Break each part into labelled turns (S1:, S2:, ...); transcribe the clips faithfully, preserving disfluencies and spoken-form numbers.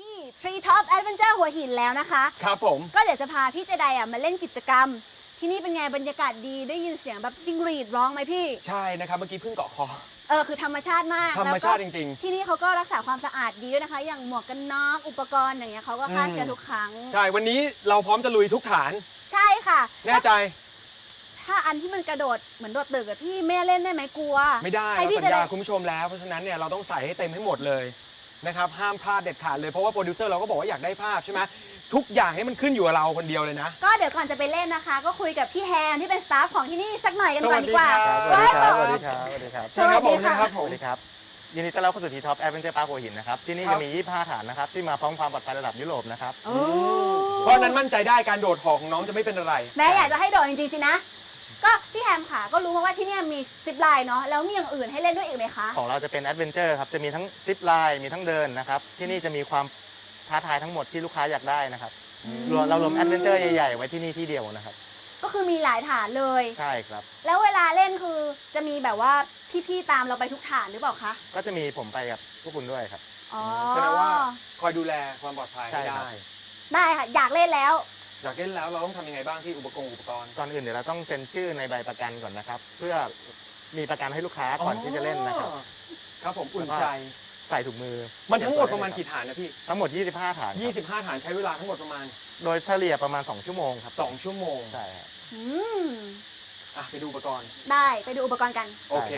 S1: ที่ Tree Top Adventure หัวหินแล้วนะคะ
S2: ครับผม
S1: ก็เดี๋ยวจะพาพี่เจไดอ่ะมาเล่นกิจกรรมที่นี่เป็นไงบรรยากาศดีได้ยินเสียงแบบจิ้งหรีดร้องไหมพี่
S2: ใช่นะครับเมื่อกี้เพิ่งเกาะคอ
S1: เออคือธรรมชาติมาก
S2: ธรรมชาติจริง
S1: ๆที่นี่เขาก็รักษาความสะอาดดีด้วยนะคะอย่างหมวกกันน็อกอุปกรณ์อย่างเงี้ยเขาก็ฆ่าเชื้อทุกครั้ง
S2: ใช่วันนี้เราพร้อมจะลุยทุกฐาน
S1: ใช่ค่ะ
S2: แน่ใจ
S1: ถ้าอันที่มันกระโดดเหมือนโดดตึกอะพี่แม่เล่นได้ไหมกลัว
S2: ไม่ได้เราสัญญาคุณผู้ชมแล้วเพราะฉะนั้นเนี่ยเราต้องใส่ให้เต็มให้หมดเลยนะครับห้ามพลาดเด็ดขาดเลยเพราะว่าโปรดิวเซอร์เราก็บอกว่าอยากได้ภาพใช่ไหมทุกอย่างให้มันขึ้นอยู่กับเราคนเดียวเลยนะ
S1: ก็เดี๋ยวก่อนจะไปเล่นนะคะก็คุยกับพี่แฮมที่เป็นสตาฟของที่นี่สักหน่อยกันก่อนดีกว่า
S3: สวัสดีครับสวัสดีครับสวัสดีครับ
S2: สวัสดีครับผมนะครับผม
S3: สวัสดีครับยินดีต้อนรับเข้าสู่ทีท็อปแอดเวนเจอร์พาร์คหัวหินนะครับที่นี่จะมียี่สิบห้าฐานนะครับที่มาพร้อมความปลอดภัยระดับยุโรปนะครับ
S2: เพราะนั้นมั่นใจได้การโดดหอของน้องจะไม่เป็นอะไร
S1: แม่อยากจะให้โดดจริงๆสินะก็พี่แฮมค่ะก็รู้มาว่าที่นี่มีซิปไลน์เนาะแล้วมีอย่างอื่นให้เล่นด้วยอีกไหมคะ
S3: ของเราจะเป็นแอดเวนเจอร์ครับจะมีทั้งซิปไลน์มีทั้งเดินนะครับที่นี่จะมีความท้าทายทั้งหมดที่ลูกค้าอยากได้นะครับเรารวมแอดเวนเจอร์ใหญ่ๆไว้ที่นี่ที่เดียวนะครับ
S1: ก็คือมีหลายฐานเลย
S3: ใช่ครับ
S1: แล้วเวลาเล่นคือจะมีแบบว่าพี่ๆตามเราไปทุกฐานหรือเปล่าคะ
S3: ก็จะมีผมไปกับพวกคุณด้วยครับ
S1: อ๋อ
S2: แสดงว่าคอยดูแลความปลอดภัยได้
S1: ได้ค่ะอยากเล่นแล้ว
S2: อยากเล่นแล้วเราต้องทำยังไงบ้างที่อุปกรณ์อุปกรณ์
S3: ก่อนอื่นเดี๋ยวเราต้องเซ็นชื่อในใบประกันก่อนนะครับเพื่อมีประกันให้ลูกค้าก่อนที่จะเล่นนะครับ
S2: ครับผมอุ่นใจ
S3: ใส่ถุงมือ
S2: มันทั้งหมดประมาณกี่ฐานนะพี่
S3: ทั้งหมดยี่สิบห้าฐาน
S2: ยี่สิบห้าฐานใช้เวลาทั้งหมดประมาณ
S3: โดยเฉลี่ยประมาณสองชั่วโมงครับ
S2: สองชั่วโมง
S3: ใช่ครับ
S1: อืม
S2: อ่ะไปดูอุปกรณ์
S1: ได้ไปดูอุปกรณ์กัน
S2: โอเค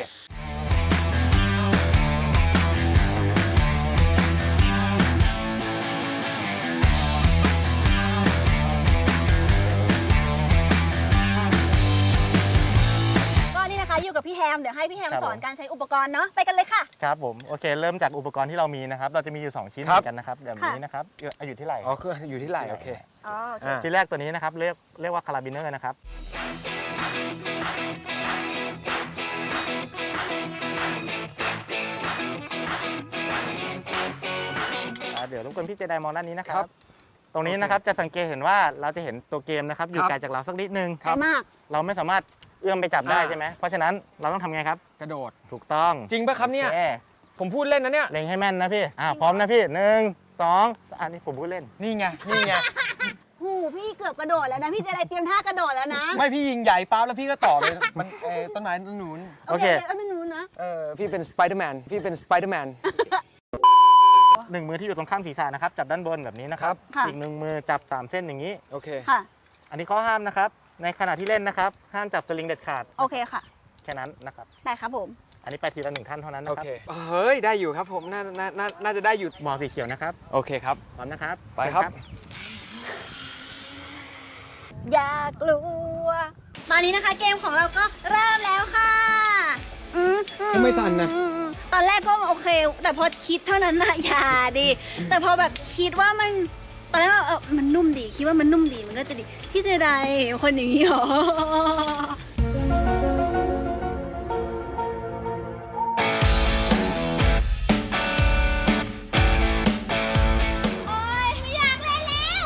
S1: อยู่กับพี่แฮมเดี๋ยวให้พี่แฮมสอนการใช้อุปกรณ์เนาะไปกันเลยค่ะ
S3: ครับผมโอเคเริ่มจากอุปกรณ์ที่เรามีนะครับเราจะมีอยู่สองชิ้นเหมือนกันนะครับแบบนี้นะครับอยู่ที่ไหล่
S2: อ๋อคืออยู่ที่ไหล่โอเค
S1: อ๋อ
S3: ชิ้นแรกตัวนี้นะครับเรียกเรียกว่าคาราบิเนอร์นะครับเดี๋ยวรบกวนพี่เจไดมองด้านนี้นะครับตรงนี้นะครับจะสังเกตเห็นว่าเราจะเห็นตัวเกมนะครับอยู่ไกลจากเราสักนิดนึง
S1: ไกลมาก
S3: เราไม่สามารถเอื้อมไปจับได้ใช่ไหมเพราะฉะนั้นเราต้องทำไงครับ
S2: กระโดด
S3: ถูกต้อง
S2: จริงป่ะครับเนี่ยผมพูดเล่นนะเนี่ย
S3: เล็งให้แม่นนะพี่อ่าพร้อมนะพี่หนึ่งสองอันนี้ผมพูดเล่น
S2: นี่ไงนี่ไง
S1: หูพี่เกือบกระโดดแล้วนะพี่เจไดเตรียมท่ากระโดดแล้วนะ
S2: ไม่พี่ยิงใหญ่ปั๊บแล้วพี่ก็ต่อเลยมันเออต้นไม้ต้นนู้น
S1: โอเคต้นนู้นนะ
S2: เออพี่เป็นสไปเดอร์แมนพี่เป็นสไปเดอร์แมน
S3: หนึ่งมือที่อยู่ตรงข้างศีรษะนะครับจับด้านบนแบบนี้นะครับอีกหนึ่งมือจับสามเส้นอย่างนี้
S2: โอเค
S1: ค่ะ
S3: อันนี้ข้อห้ามนะครับในขณะที่เล่นนะครับห้ามจับสลิงเด็ดขาด
S1: โอเคค่ะ
S3: แค่นั้นนะครับ
S1: ได้ครับผม
S3: อันนี้ไปทีละหนึ่งท่านเท่านั้นนะครับ
S2: โอเคเฮ้ยได้อยู่ครับผมน่าน่าน่าจะได้อยู่
S3: หมอสีเขียวนะครับ
S2: โอเคครับ
S3: พร้อมนะครับ
S2: ไปครับ
S1: อย่ากลัวตอนนี้นะคะเกมของเราก็เริ่มแล้วค่ะ
S2: ทำไมสั่นนะ
S1: ตอนแรกก็โอเคแต่พอคิดเท่านั้นนะอย่าดิแต่พอแบบคิดว่ามันตอนแรกเออมันนุ่มดีคิดว่ามันนุ่มดีมันก็จะดีพี่เจไดคนอย่างนี้หรอโอ๊ยไม่อยากเล่นแล้ว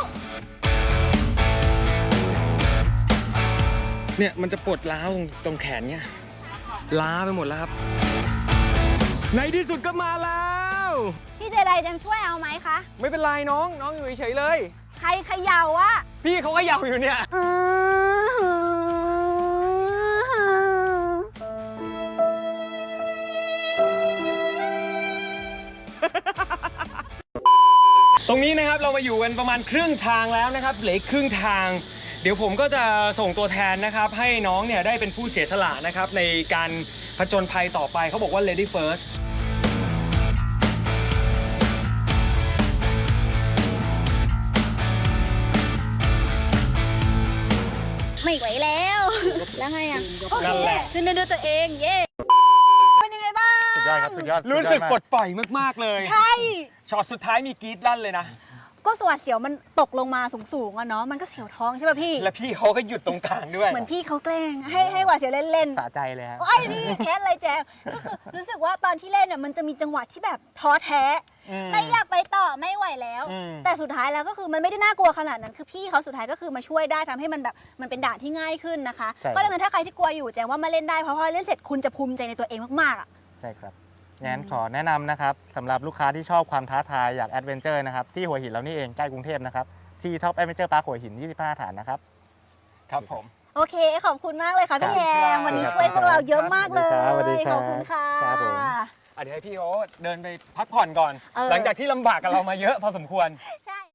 S2: เนี่ยมันจะปวดล้าวตรงแขนเนี่ยล้าไปหมดแล้วครับในที่สุดก็มาแล้ว
S1: พี่เจไดจะช่วยเอาไหมคะ
S2: ไม่เป็นไรน้องน้องอยู่เฉยๆเลย
S1: ใครเขย่าอะ
S2: พี่เขาเขย่าอยู่เนี่ยตรงนี้นะครับเรามาอยู่กันประมาณครึ่งทางแล้วนะครับเหลือครึ่งทางเดี๋ยวผมก็จะส่งตัวแทนนะครับให้น้องเนี่ยได้เป็นผู้เสียสละนะครับในการผจญภัยต่อไปเขาบอกว่า lady first
S1: ไม่ไหวแล้วแล้วไงอ่ะโอเคขึ้นได้ด้วยตัวเองเย้เป็นยังไงบ้าง
S3: สุดยอดครับสุดยอด
S2: รู้สึกปลดปล่อยมากๆเลย
S1: ใช่
S2: ช็อตสุดท้ายมีกรี๊ดลั่นเลยนะ
S1: ก็สวัสดเสียวมันตกลงมาสูงๆอะเนาะมันก็เสียวท้องใช่ป่ะพี่
S2: แล้วพี่เขาก็หยุดตรงกลางด้วย
S1: เหมือนพี่เขาแกล้งให้ให้หวาดเสียวเล่น
S3: ๆสะใจเลยฮะ
S1: ไอ้นี่แค้นอะไรแจ๊ก็คือรู้สึกว่าตอนที่เล่นเนี่ยมันจะมีจังหวะที่แบบท้อแท้ไม่อยากไปต่อไม่ไหวแล้วแต่สุดท้ายแล้วก็คือมันไม่ได้น่ากลัวขนาดนั้นคือพี่เขาสุดท้ายก็คือมาช่วยได้ทำให้มันแบบมันเป็นด่านที่ง่ายขึ้นนะคะก็ดังนั้นถ้าใครที่กลัวอยู่แจ้งว่ามาเล่นได้เพราะพอเล่นเสร็จคุณจะภูมิใจในตัวเองมากๆอ่ะ
S3: ใช่ครับงั้นขอแนะนำนะครับสำหรับลูกค้าที่ชอบความท้าทายอยากแอดเวนเจอร์นะครับที่หัวหินเรานี่เองใกล้กรุงเทพนะครับที่ท็อปแอดเวนเจอร์พาร์คหัวหินยี่สิบห้าฐานนะครับ
S2: ครับผม
S1: โอเคขอบคุณมากเลยค่ะพี่แย
S2: ครับ
S1: มวันนี้ช่วยพวกเราเยอะมากเลย
S3: สวัสดีครับ
S1: ขอบคุณค่ะ
S3: ครับผม
S2: อ่ะเดี๋ยวให้พี่เขาเดินไปพักผ่อนก่อน
S1: เออ
S2: หลังจากที่ลำบากกับเรามาเยอะพอสมควร
S1: ใช่